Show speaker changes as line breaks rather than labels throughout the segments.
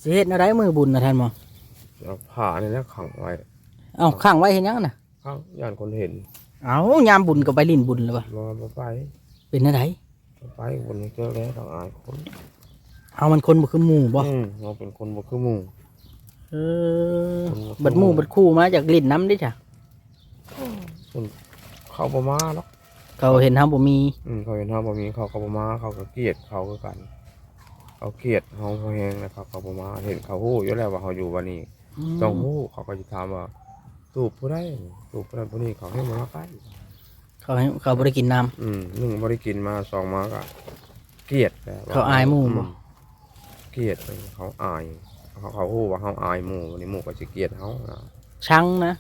สิเฮ็ดอะไรมือบุญนะท่านหมอ
เอาผ้านี่แหละขังไว้
เอ้าข้างไว้เห็นยังน่ะ
ข้างย่านคนเห็น
เอ้ายามบุญก็ไปลิ้นบุญเลยปะ
บ่ไป
เป็นอะไร
บ่ไปคนเจอแล้วต้องอายคน
เอามันคนบ่คือหมู่บ่
เราเป็นคนบ่คือหมู่
เออบัดหมู่บัดคู่มาจากลิ้นน้ำดิจ้ะ
เขาบ่มาหรอก
เขาเห็นเฮาบ่มี
เขาเห็นเฮาบ่มีเขาก็บ่มาเขาก็เกลียดเขาคือกันเขาเกลียดเฮาเขาแฮงนะครับเขาบ่มาเห็นเขาฮู้อยู่แล้วว่าเฮาอยู่วันนี้ต้องฮู้เขาก็สิถามว่าตูบผู้ใดตูบผู้นั้นผู้นี้เขาให้มาใกล้
เขาบ่ได้กินน้ำ
หนึ่งบ่ได้กินมาสองมาก็เกลียดแล้ว
เขาอายหมู่บ่
เกลียดเขาอายเขาฮู้ว่าเฮาอายหมู่วันนี้หมู่ก็สิเกลียดเฮา
ชังนะ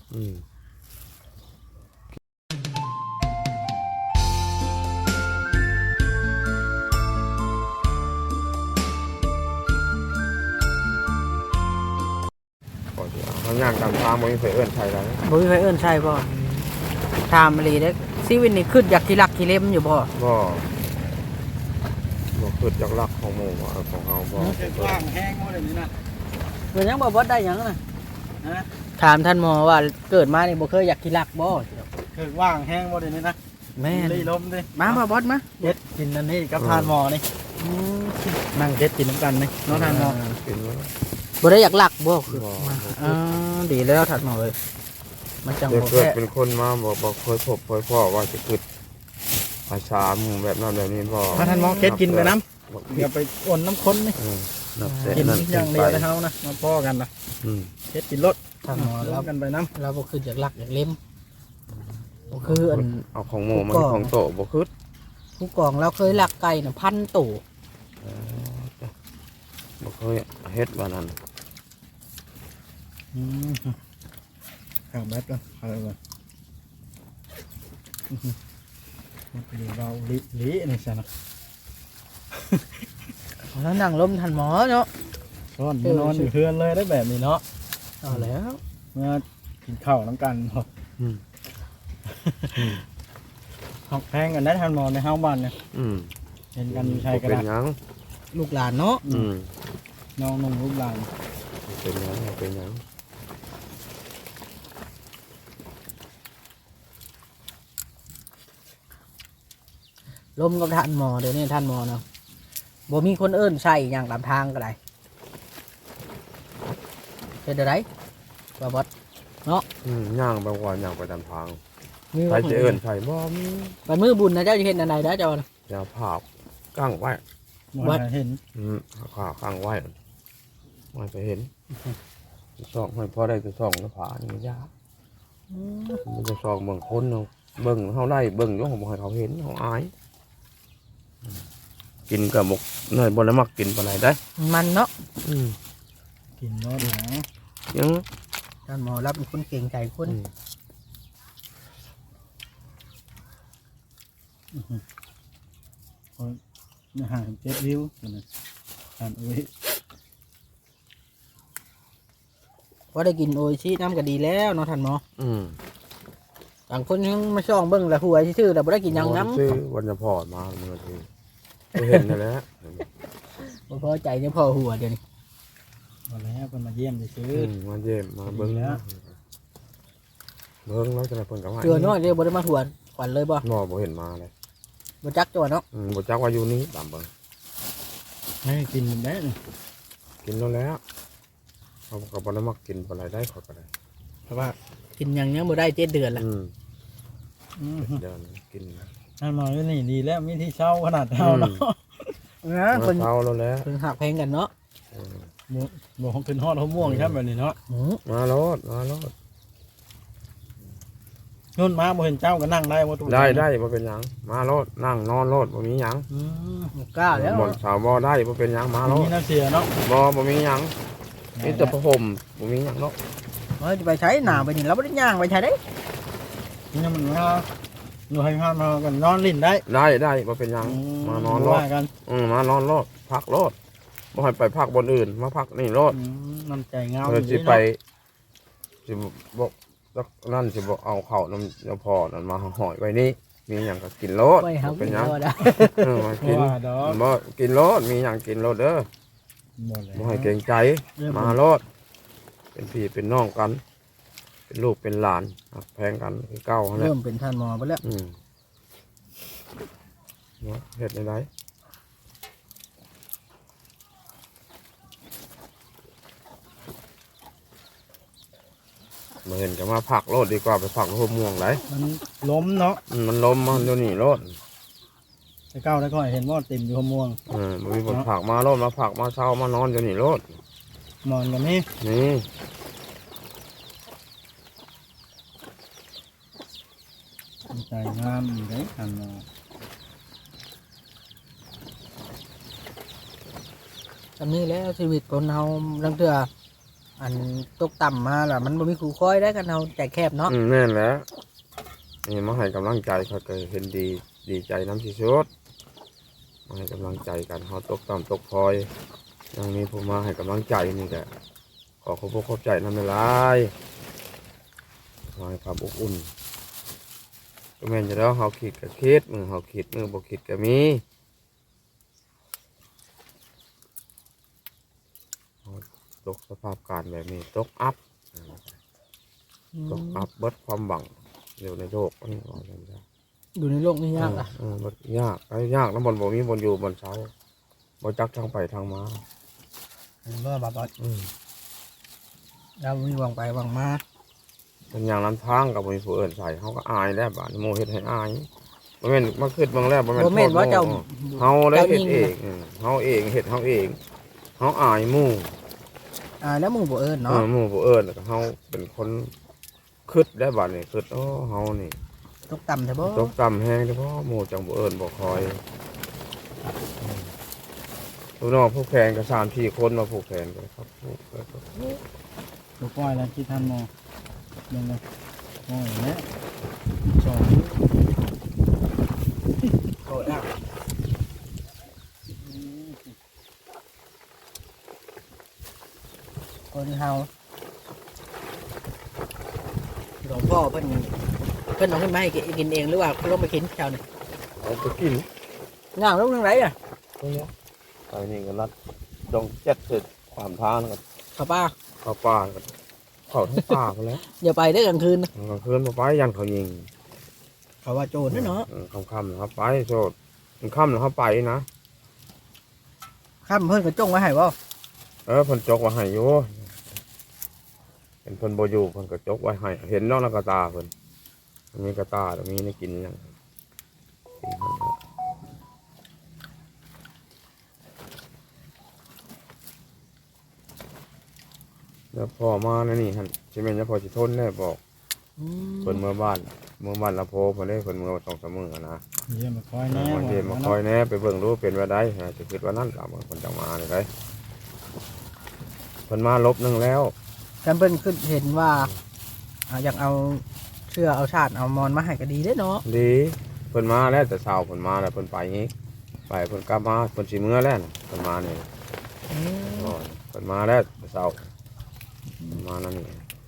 ก่อนที่เขาย่างตามทางบ่มีไผเอิ้นไผแล้ว
บ่มีไผเอิ้นใช่บ่ถามอีหลีเด้อชีวิตนี่ขึ้นอยากที่รักที่เล่มอยู่บ่
บ่คิดจากรักของหมู่ว่าของเฮาบ่
เห็ดว่างแห้งหมดเลยนี่นะ
เพิ่นยังบ่ได้หยังน่ะถามท่านหมอว่าเกิดมานี่บ่เคยอยากที่รักบ่
เห็ดว่างแห้งหมดเลยนี่นะ
แม่น
รีลมดิ
มาบ่บอสมา
เห็ดกินอันนี้กับทานหมอนี่
อืม
นั่งเห็ดกินน้ำกันนี่น้องทานหมอ
กินแล้ว
บ่ได้อยากรักบ่คือ
บ่
อ่าดีแล้วท่านหมอเอ้ยมันจัง
เดี๋ยว
บ่
เกิด
แพ้
เป็นคนมาบ่เคยพบเคยพ่อว่าจะคิดภาษาหมู่แบบนั้นแบบนี้บ่
ถ้าทานหมอเห็ดกินไปน้ำอย่าไปอ่อนน้ำข้นนี่
นับแต่
กิน
นั้น
อย่างเดียวนะเฮานะมาพ่อกันนะ
อืม
เห็ดกินรส
ท่านหมอ
แล้
เรา
วกันไปน้
เราบ่คืออยากรักอยากเล่มบ่คืออัน
เอาของหมู่มันของโตบ่คิด
ผู้กองเราเคยรักไก่น่ะ1,000ตัว
บ่เคยเฮ็ดว่านั้น
ำข้าวแบดก่อนเอาเลยมันเป็นเราลินี่ใช่ไหม
แล้วนั่งลมท่านหมอเนาะ
ซ่อนนอนอยู่เพื่อนเลยได้แบบนี้เนาะ
เอาแล้ว
เมื่อกินข้าวน้ำกันเนาะ
อืม
หอกแพงกันได้ทานหมอในเฮาบ้านเนี่ย
อืม
เห็นกันใช้กัน
เป็นหยัง
ลูกหลานเนาะ
อืม
น้องนุ่งรูปหลาน
เป็นหยังเป็นหยัง
ลมกับท่านหมอเดี๋ยวนี้ท่านหมอเนาะบ่มีคนเอิ้นใส่อย่างตามทางก็ได้เป็นอะไรบ่บอส
ย่างไปก่อนย่างไปตามทาง
มี
ใครจะเอิ้นใครบ่มี
วันมื้อบุญนะเจ้าจะเห็นอันใดนะเจ้าน่ะ
อย่าภาพกั้งไว้
วัดเห็น
ขากั้งไว้ไม่ไปเห็นส่องให้พอได้จะส่องแล้วผานี่มันยากมันจะส่องเบิ่งคนเนาะเบิ่งเฮาไล่เบิ่งอยู่ของบ่ให้เขาเห็นเฮาอายกินกับหมกเนยบ่ได้มักกินปานใดได้
มันเนาะ
กินรอดหนา
ยัง
ท่านหมอรับเป็นคนเก่งใจคน
ห่างเจ็ดวิวนะอ่านอุ้ย
ว่าได้กินโออิชิน้ำก็ดีแล้วเนาะท่านหมอ
อืม
ต่างคนยังมาช่องเบิ่งแล้วหัวซื่อๆแต่บ่ได้กินหยังน้
ซื้อวันจะพอดมาเมื่อทีเห็นนั่นแหละ
ำบ่พอใจเนี่ยพอหัวเดี๋ยวนี้
มาแล้วคนมาเยี่ยมจะซื้อ
มาเยี่ยมมาเบิ่งแล้วเบิ่งแล้วจะได้เพิ่นกับว่า
เกลือน้อยเดี๋ยวบ่ได้มาหัวขวัญเลยบ่
บ่เห็นมาเลย
บ่จักจังหวะเนาะ
บ่จักว่าอยู่นี่ตามเบิ่ง
ให้กินได้เลย
กินแล้วแล้วเขาก็บ่ได้มักกินปานใดได้ขอยก็ได้
เพราะว่า
กินหยังยังบ่ได้7 เดือนละ
เดินกิน
ท่านหมออยู่นี่ดีแล้วมีที่เช่าขนาดเท่าเนาะ
นะ
มา
เพิ่น
เช้าแล้วแหละ
เพิ่นหักแพงกันเนาะ
บอกขึ้นฮอดหัวม่วงใช่แบบนี้เนาะ
มาโลด
นุ่นมาบ่เห็นเจ้าก็นั่งได้บ่ตัว
ได้บ่เป็นหยังมาโลดนั่งนอนโลดบ่มีหยัง
บ่กล้าแล้ว
บ่สาวบ่ได้บ่เป็นหยังมาโล
มี
ด
น้ำเสียเนาะ
บ่มีหยังมีแต่ผ้าห่มบ่มีหยังเนาะ
เฮ้ยจะไปใช้หน้าไปนี่เราบ่ได้ย่างไปใช้ได้
นี่มันมาหนูให้พามากันนอนลิ้นได้
ได้บ่เป็นหยังมานอนโลด
ว่ากัน
มานอนโลดพักโลดบ่ให้ไปพักบนอื่นมาพักนี่โลด
น้ำใจเงา
เพิ่นสิไปสิบ่นั่นสิบ่เอาเข้าน้ำพอนั่นมาห่อยไว้นี่มีหยังก็กินโลด
ไว้เฮา
เป็น
กิน
หยัง
แล้วได้
มากิน
ว่าดอก
บ่กินโลดมีหยังกินโลดเด้อ
บ่แล้ว
บ่ให้เกรงใจ
เรียบ
มา
ร้อย
โลดเป็นพี่เป็นน้องกัน เป็นลูกเป็นหลานหักแพงกันคือเก่าหั่นแหละ
เริ่มเป็นท่านหมอไปแล้ว
เนาะเฮ็ดได้มาเห็นก็มาผักโลดดีกว่าไปผักหัวม่วงไหล
มันล้มเนาะ
มันล้มมันเดี๋ยวนี้โลด
แต่เก้าได้ก็เห็นว่าเต็มอยู่ขม่วง
มันมีผลผักมาโลดมาผักมาเช้ามานอนเดี๋ยวนี้โลด
มอนกันนี่
นี่
ใจงามได้ทันมา
จำนี้แล้วชีวิตคนเฮาลังเทื่ออันตกต่ำมาล่ะมันบ่มีครูคอยได้กันเฮาใจแคบเนาะ
แน่นแล้วนี่มาให้กำลังใจเขาก็เห็นดีใจน้ำที่สุดมาให้กำลังใจกันเขาตกต่ำตกพลอยยังมีผู้มาให้กำลังใจนี่แหละขอขอบใจน้ำในลายมาให้ความอบอุ่นก็แม่นจะแล้วเขาคิดกับคิดมือเขาคิดมือบ่คิดก็มีตกสภาพการแบบนี้ตกอัพตกอัพเบิดความหวังเดี๋ยวในโลกนี่ว่าจังซั่น
อยู่ในโลกนี้ยากอ่ะ
มันยากยากแล้วบนบ่มีบนอยู่บนเช้าบ่จักทางไปทางมา
เห็นว่าบาดเรามีหวังไปหวังมา
เป็นอย่างลำทางกับมีผู้อื่นใส่เขาก็อายแล้วบาดนี้โมเฮ็ดให้อายบ่แม่นมาคิดเบิ่งแล้วบ่แม่น
บ่แม่นว่าเจ้า
เฮาได้เฮ็ดเองเฮาเองเฮ็ดเฮาเองเฮาอายหมู่
แล้วหมู่บ่เอิ้นเนาะ
หมู่ผู้อื่นแล้วก็เฮาเป็นคนคิดได้บาดนี้คิดเฮานี่
ตกต่ำแท้บ่
ตกต่ำแฮงเฉพาะหมู่จังบ่เอิ้นบ่คอยลูกน้องผู้แข่งก็3-4คนมาผู้แข่งกันครับผู้แข่ง
ตัวก้อยแล้วคิดทันมอยังไงโอ้ยแล้วสอง
โกรธอ่ะคนเฮาหลวงพ่อเพิ่นเอาขึ้นมาให้กินเองหรือว่าลงไปกินเจ้านี่
เอาไปกิน
ย่างลงทางไหนอ่ะ
ตรงนี้ไปนี่ก็รัดดองเจ็ดเสร็จความทางกัน
ข้าวป้า
เข้าป่ากันเข้าทั้งป่าไปแล้ว
อย่าไปได้อกลางคืนนะ
กลางคืนมาไปยันเขายิง
เขาว่าโจรนะเนาะ
ค่ำๆนะครับไปโสดมันค่ำนะครับไปนะ
ข้ามเพิ่นก็จ้องไว้ให้บ่
เพิ่นจกไว้ให้อยู่เป็นเพิ่นบ่อยู่เพิ่นก็จกไว้ให้เห็นเนอกกระตาเพิ่นมันมีกระตาแล้วมีในกินอย่างกินมันนะแล้วพอมาในนี่ฮันใช่ไหมแล้วพอสิทนได้บอก
อืม
เพิ่นเมื่อบ้านละโพเพิ่นได้เพิ่นเมื่อ2-3มื้อนะ
เยี่ยมมาคอยแน่
บางทีมาคอยแหน่ไปเบิ่งรู้เป็นว่าได้ฮะจะคิดว่านั่นตามคนจังมาเลยได้เพิ่นมาลบหนึงแล้ว
ฉันเพิ่นขึ้นเห็นว่าอยากเอาเชื่อเอาชาติเอามอนมาให้ก็ดีเด้เนาะ
ดีเพิ่นมาแล้วแต่เช้าเพิ่นมาแล้วเพิ่นไปงี้ไปเพิ่นกลับมาเพิ่นสิมื้อแล้วน่ะเพิ่นมานี่
อืม
เพิ่นมาแล้วแต่เช้าเพิ่นมานั่นนี่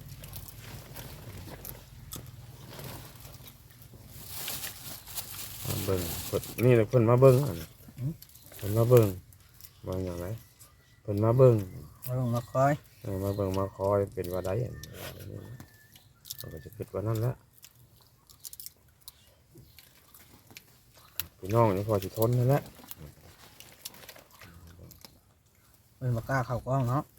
มาเบิ่งเพิ่นนี่แหละเพิ่นมาเบิ่งอะเพิ่นมาเบิ่งอย่างไรเพิ่นมาเบิ่ง
มาลงมาคอย
มาเบิ่งมาคอยเป็นว่าได้เราก็จะคิดว่านั่นแหละพี่น้องนี่พอสิทนนั่นแหละ
เพิ่นบ่กล้าเข้ากล้องเนาะ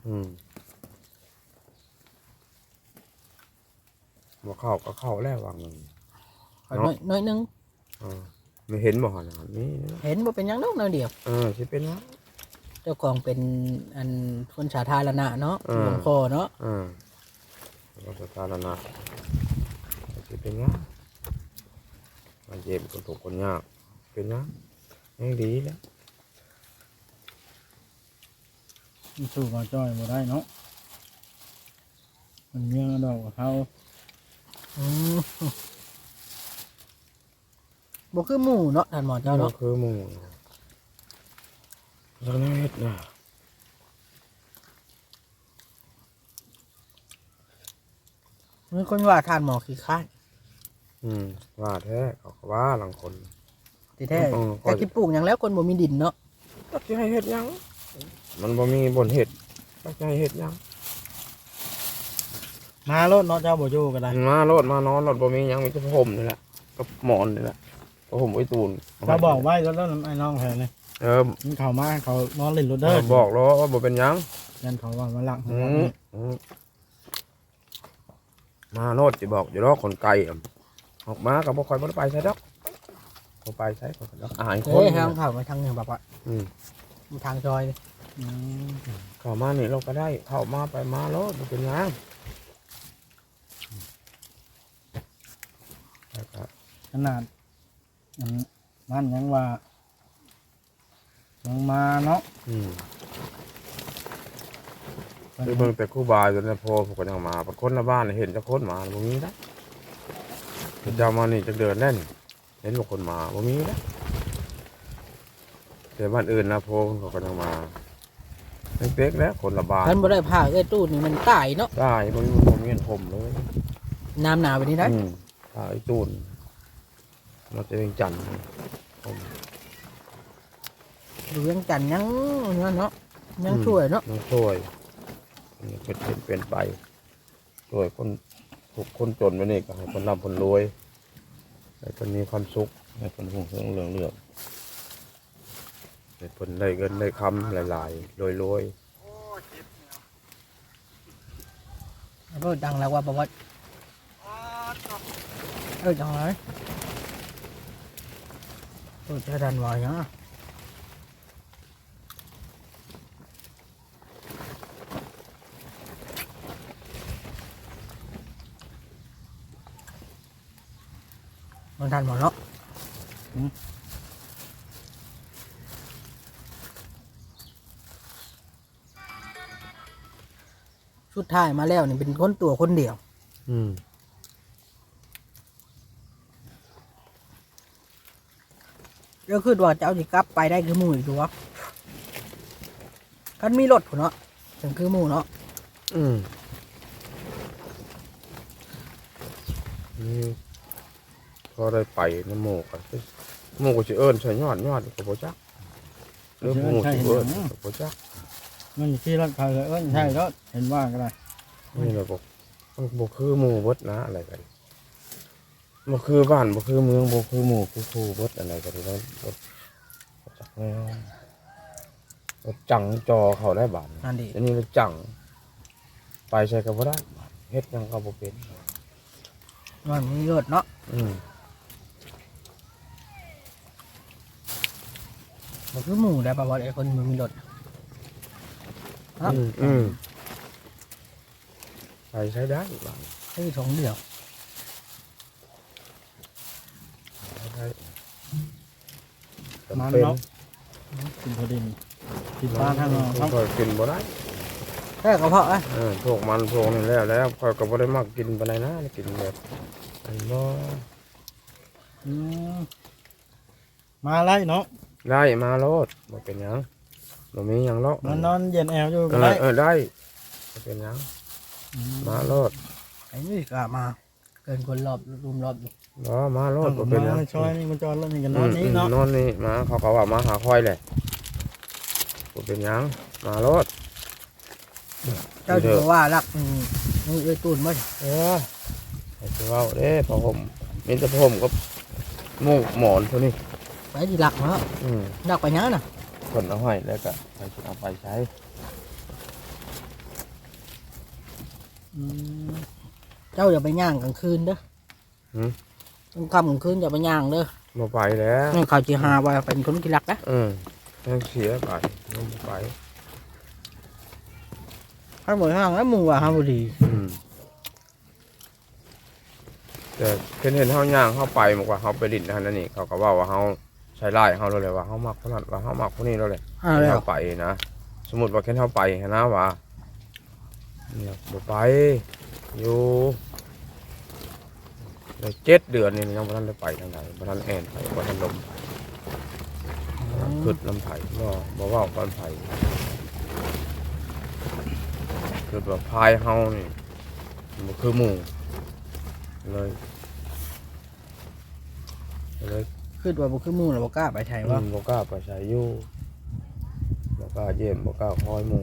บ่เข้าก็เข้าแล้ววางหนึ่ง
ขอน้อยนึง
ไม่เห็นบ่หันนี่
เห็นบ่เป็นหยังดอกน้อยเดียว
สิเป็นวะ
เจ้าของเป็นอันคนสาธารณะเนาะ
อืม
หลวงพ่อเนาะ
ก็สถานะสิเป็นวะมันเจ็บคนถูกคนยากเป็นวะยังดีแล้ว
สู้มาจ้อยมาได้เนาะมันเมียดอกเขา
อืมบ่คือหมู่เนาะท่านหมอเจ้าเนาะ
คือหมู่สักนิดนะ
มีคนว่าท่านหมอขี้คร้าน
ว่าแท้เขาก็ว่าหลังคน
ที่แท้
อืม
แต่คิดปลูกหยังแล้วคนบ่มีดินเนาะ
ตัดที่ให้เฮ็ดหยังมันบ่มีบนเห็ดก็จะให้เห็ดหยัง
มารถเนาะเจ้าบ่อยู่ก็ได้
มารถมานอนรถบ่มีหยังมีแต่ผ้าห่มนี่แหละกับหมอนนี่แหละผ้าห่มไว้ตูน
เขาบอกไว้รถแล้วไอ้น้องแถวนี่ มันเข้ามาเขานอนเล่นรถเด้อ
บอกแล้วว่าบ่เป็นหยัง
ยันเขาว่ามาลัก
มาโนดสิบอกอยู่รอกคนไกลออกมาก็บ่ค่อยบ่ได้ไปใช่ดอกบ่ไปใช่ก็ดอกอาหารค
เฮ้
น
ยทางเข้ามาทางเหนือแบบว่า
อืม
ทางซอยนี่
เข้ามานี่เราก็ได้เข้ามาไปมาแล้วบ่เป็นหยังแล้วก็
ขนาดนั่นยังว่ายังมาเนาะ
ไปเบิ่งแต่ครูบาจนแล้วพอผมก็ยังมาบางคนละบ้านเห็นจักคนมาบ่มีนะเจ้ามานี่จักเดือนแล้วนี่เห็นบ่คนมาบ่มีนะแต่บ้านอื่นนะพอเขาก็ยังมาเล็กๆแล้วคนละบ้าน
ท่านบ่ได้พาเอ้ยตู้นี่มันตายเนาะ
ได้มันบ่มีเงินผมเลย
น้ำหนาวไปนี่ได้
ถ้าไอ้ตูนมาจะเป็นจันทร์ผม
ดูยังจันทร์ยังเนาะยังช่วยเนาะ
น้องช่วยนี่เป็นไปช่วยคนถูกคนจนไปนี่ก็ให้คนร่ำคนรวยให้คนมีความสุขให้คนหุ่งเรืองเรื่องให้คนได้เงินได้คำหลายๆรวย
ก็ดังแล้วว่าประวัติดังเลยจะดันวายเนาะมันทันหมดเนาะสุดท้ายมาแล้วนี่เป็นคนตัวคนเดียว ก็คือว่าจะเอาสิกลับไปได้คือหมู่อีกดูวะกันมีรถผู้เนาะถึงคือหมู่เนาะ
นี่พอได้ไปน้ำโมกันโมก็จะเอิญใส่ยอดก็บ่จักเรื่องโมจะเอิญก็บ่จัก
มันอยู่ที่รถเขาเลยใช่รถเห็นว่าก็ได้
นี่แหละบอกมันบ่คือหมู่เบิดนะอะไรกันบ่คือบ้านบ่คือเมืองบ่คือหมู่คือคู่เบิดอะไรกันแล้วบ่จักแน่บ่จังจอเขาได้บาด
นั่นดิ
อันนี้เราจังไปใช้ก็บ่ได้เฮ็ดหยังก็บ่เป็น
มันมีรถเนาะมันคือหมู่ได้ประวัติไอ้คนมันมีรถครับ
ไปใช้ได้บาด
คือสองเดียว
ได้
มัน
จำเป็น
เนาะกินพอดีกินปลาทางนอก
มันค่อยกินบ่ได้
แค่กระเพาะอ่ะ
พวกมันพวกนี้แล้วค่อยก็บ่ได้มักกินปานใดนะกินแบบอันบ่
มาไล่เนาะ
ได้มาโลดบ่เป็นหยังบ่มีหยังหรอก
มันนอนเย็นแอวอยู่ก็ได้
ได้บ่เป็นหยังมาโลด
ไอ้นี่ก็มาเกินคนรอบรุมรอบอยู่
บ่มาโลดบ่เป็นหยัง
มาช่วยนี่มันจอดรถนี่กันนอนนี้เนาะ
นอนนี่มาเขาก็ว่ามาหาค่อยแหละบ่เป็นหยังมาโลด
เจ้าถือว่ารักนี่เอ้ยตูนมั้ย
ให้สิเว้าเด้พอผมมีแต่ผมกับหมูหมอนเท่านี้
ไปที่รักเนาะรักไปยังน่ะ
คนเอาให้แล้วก็ไปสิเอาไปใช้
เจ้าอย่าไปย่างกลางคืนเด้อกลางค่ำกลางคืนอย่าไปย่างเด้อ
บ่ไปแล้ว
นี่เขาจีหาว่าเป็นคนที่รักนะ
ยังเสียไปยังบ่ไป
ให้หมดห้างแล้วมึงว่าห้ามบุรี
แต่เห็นเฮาย่างเฮาไปมากกว่าเฮาไปลิ้นนั่นนี่เขาก็ว่าเฮาใช้ไล่เฮาเลยว่าเฮามักคนนั้นว่าเฮามักคนนี้แล้วแหละ
แล้ว
เฮาไปนะสมมุติว่าแค่เฮาไปนะว่าเนี่ยบ่ไปอยู่ได้7 เดือนนี่ยังบ่ทันได้ไปทางใดบ่ทันแอนไปบ่ทันลมขึ้นลำไผ่บ่เว้ากันไผ่คือว่าพายเฮานี่บ่คือหมู่เลย
คือว่าบุคือหมู่เราบ่กล้าไปใช่ว่า
บ่กล้าไปใช้อยู่บ่กล้าเยี่ยมบ่กล้าคอยหมู่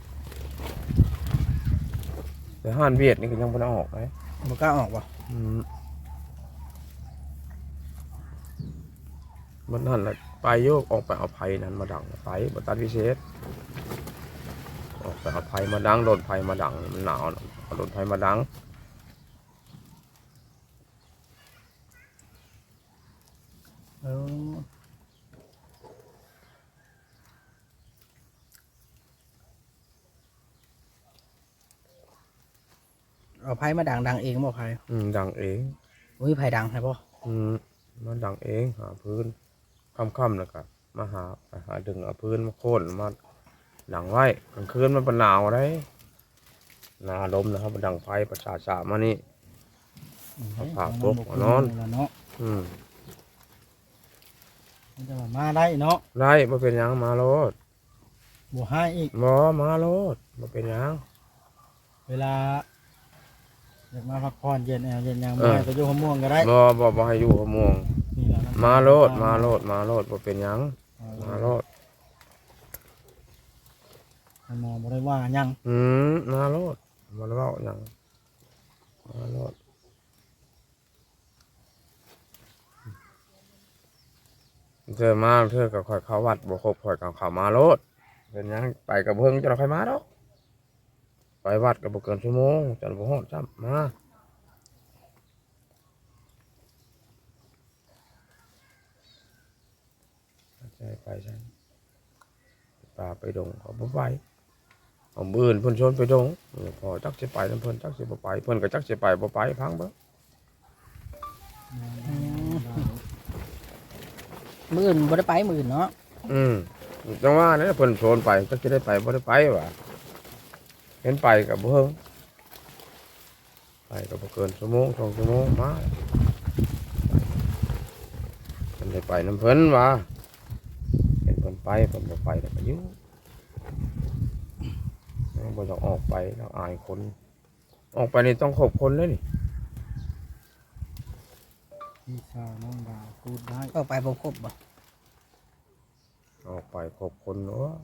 แต่ห้านเวียดนี่ก็ยังบ่ได้ออกเลย
บ่กล้าออกบ่
มันนั่นแหละไปโยกออกไปเอาไผ่นั้นมาดังไปบัตัดวิเศษออกไปเอาไผ่มาดังโดนไผ่มาดังมันหนาวนะเอาโดนไผ่มาดัง
เออเอาไผมาดังเองบ่ไผ
ดังเอง
อุ้ยไผดังให้บ่
มันดังเองหาพื้นค่ำๆแล้วก็มาหาดึงเอาพื้นมาโค่นมาดังไว้กลางคืนมันเป็นหนาวได้หนาลมนะครับมันดังไฟประสาทมานี่ เอาผ้าปกเอานอน
เนาะ
อืม
มันจะมาได้เนาะ
ได้มาเป็นหยังมาโลด
บ่ให้อีก
บ่มาโลดมาเป็นหยัง
เวลาอยากมาพักผ่อนเย็นแอวเย็นยางมาไปอยู่หัวม่วงก็ได้
บ่ให้อยู่หัวม่วง
นี่แหละน้ำ
มาโลดมาโลดมาโลดบ่เป็นหยังมาโลด
หมอบ่ได้ว่าหยัง
มาโลดบ่ได้เว้าหยังมาโลดเธอมาเธอก็ค่อยเข้าวัดบ่ครบค่อยก็เข้ามาโลดเป็นหยังไปกับเพิ่งจะค่อยมาดอกไปวัดก็บ่เกินชั่วโมงจันบ่ฮอดจ้ำมาใช่ไปใช่ป่าไปดงเขาบ่ไปเอามื้ออื่นเพิ่นชวนไปดงพอจักสิไปนำเพิ่นจักสิบ่ไปเพิ่นก็จักสิไปบ่ไปพังเบิ่ง
มื้ออื่นบ่ได้ไปมื้ออื่นเนาะ
จังว่าเนี่ยเพิ่นชวนไปจักสิได้ไปบ่ได้ไปว่ะเห็นไปก็บ่เฮิงไปก็บ่เกินชั่วโมง2ชั่วโมงมาเพิ่นได้ไปนำเพิ่นว่ะเห็นเพิ่นไปเพิ่นบ่ไปแล้วก็อยู่บ่ต้องออกไปแล้วอายคนออกไปนี่ต้องครบคนเลยนี่
พี่สาวน้องดาวพูดได้
ก็ไปบ่ครบบ่
ออกไปครบคนเนาะ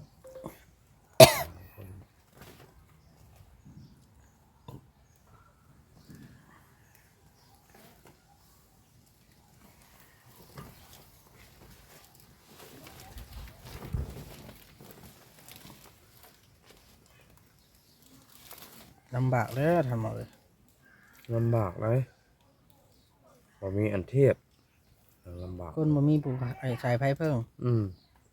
ลำบากแล้วทำเอาเลย
ลำบากเลยบ่มีอันเทียบลำบาก
คนบ่มีผู้ไอ้สายไฟเพิ่ง
อืม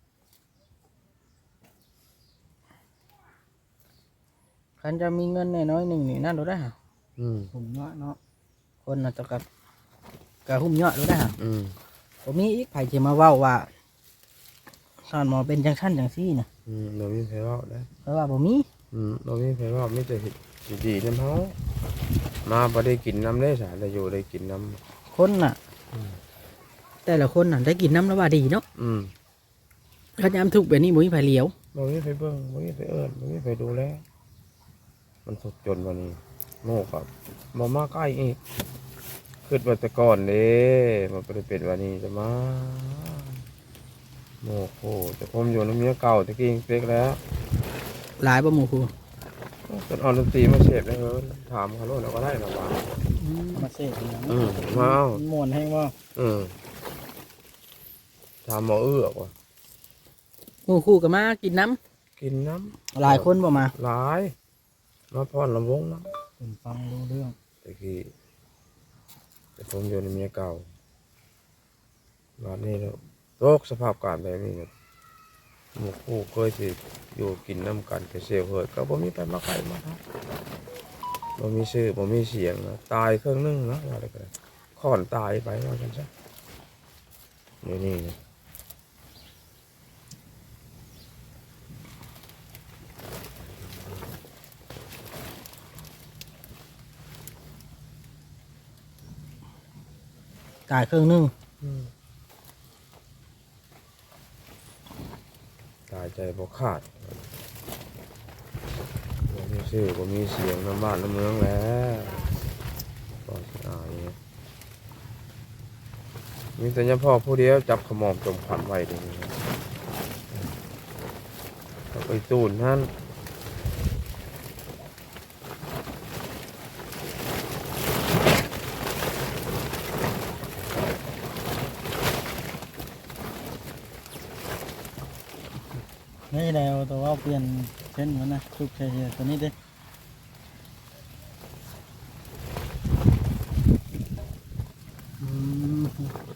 คันจะมีเงินน้อยๆหนึงนี่นั่นดูได้ฮะ
ผมเนาะเนาะ
คนน่ะจะกะหุ้มยอดดูได้ฮะ
อืม
บ่มีอีกไผสิมาเว้าว่าสอนหมอเป็นจังซั่นจังซี่น่ะ
เรามีไผเว้าได้
เพราะว่าบ่มี
เรามีไผเว้ามีแต่เฮ็ดสิดีนำเฮามาบ่ได้กินน้ำได้สาได้อยู่ได้กินน้ำ
คนน่ะแต่ละคนน่ะได้กินน้ำแล้วว่าดีเนาะ
อืม
คันยามทุกข์แบบนี้บ่มีไผเหลียว
บ่มีไผเบิ่งบ่มีไผเอิ้นบ่มีไผดูแลมันทุกข์จนวันนี้โมกกับบ่มาใกล้อีกคิดว่าแต่ก่อนเด้มันบ่ได้เป็นวันนี้จะมาโมกโหแต่ผมอยู่น้ำเมียเก่าตะกี้เป๊กแล้ว
หลายบ่หมู่ครู
จนเอาดนตรีมาเสพได้เฮ้ยถามเขาโลดแล้วก็ได้หรอวะ
มาเสพอย่าง
มาเอา
ม่วนแห้งว่า
ถามหมอว่ะ
หมู่ครูก็มากินน้ำ
กินน้
หลายคนบ่มา
ำหลายมาพรลำวงน้
ผมฟังรู้เรื่อง
ำตะกี้แต่ผมอยู่ในเมียเก่าวันนี้แล้วโรคสภาพการแบบนี้เนี่ยหมู่คู่เคยสิอยู่กินน้ำกันแต่เสียวเหิดก็บ่มีไปมาไกลมาครับบ่มีชื่อบ่มีเสียงนะตายเครื่องนึงนะว่าอะไรกันค่อนตายไปว่ากันซะเดี๋ยวนี้นะ
ตายครึ่งหนึง
ตายใจบ่ขาดบ่มีชื่อบ่มีเสียงน้ำบ้านน้ำเมืองแล้วก็สิอายเนี่ยมีแต่ยาพ่อผู้เดียวจับขมอมจมขวัญไว้เดี๋ยวนี้ทไปสูนนั่น
นี่แล้วตัวว่าเปลี่ยนเส้นมันนะทุกเฉยๆตัวนี้ดิ
อืม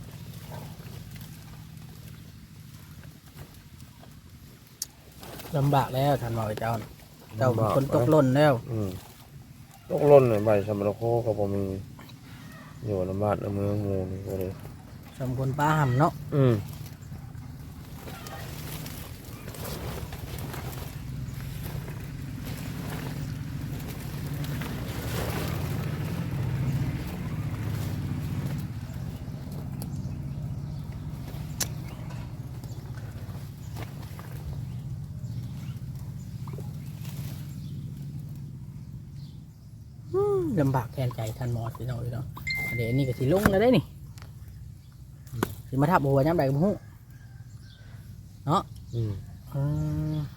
ลำบากแล้วท่านบอกเจ้าน่ะเจ้าเป็นคนตกหล่นแล้ว
ตกหล่นใบชำระโคก็บ่มีอยู่ในบ้านในเมืองหมู่นี่ก็เลย
สมควรป้าห่ำเนาะ ลำบากแทนใจท่านหมอสิเนาะเนาะเดี๋ยวนี้ก็สิลงแล้วได้นี่สิมาทับหัวย้ำใดก็บ่ฮู้เนาะ
อืม
อืม